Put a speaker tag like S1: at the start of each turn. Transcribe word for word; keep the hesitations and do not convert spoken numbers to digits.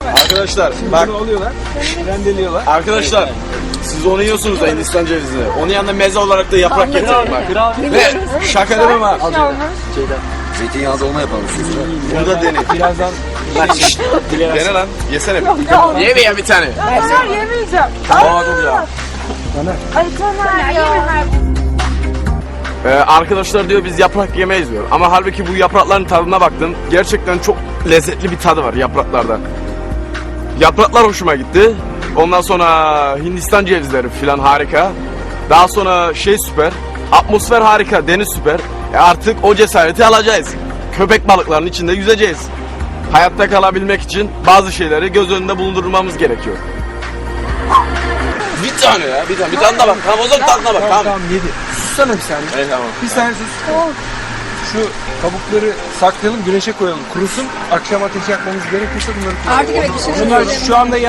S1: Arkadaşlar bak,
S2: Bunu alıyorlar, rendeliyorlar.
S1: arkadaşlar siz onu yiyorsunuz da Hindistan cevizini. Onun yanında meze olarak da yaprak getirin bak. Ve şaka demem ha.
S3: Zeytinyağlı dolma yapalım siz.
S1: Bunu da deneyin.
S2: Birazdan
S1: Dene lan. Yesene bir. Ye bir ya bir tane.
S4: Taner yemeyeceğim.
S1: Aa dur ya.
S4: Ay Taner ya.
S1: Ee, arkadaşlar diyor biz yaprak yemeyiz diyor. Ama halbuki bu yaprakların tadına baktım. Gerçekten çok lezzetli bir tadı var yapraklarda. Yapraklar hoşuma gitti. Ondan sonra Hindistan cevizleri filan harika. Daha sonra şey süper. Atmosfer harika, deniz süper. E artık o cesareti alacağız. Köpek balıklarının içinde yüzeceğiz. Hayatta kalabilmek için bazı şeyleri göz önünde bulundurmamız gerekiyor. Bir tane ya, bir tane. Bir tane de bak. Tamam o zaman tadına bak. Tamam.
S2: tamam yedi. Sussana bir saniye.
S1: Evet tamam.
S2: Bir saniye sus. Şu kabukları saklayalım, güneşe koyalım. Kurusun. Akşam ateş yakmamız gerekirse bunları kullanalım.
S4: Artık evet bir şey
S2: Bunlar şu anda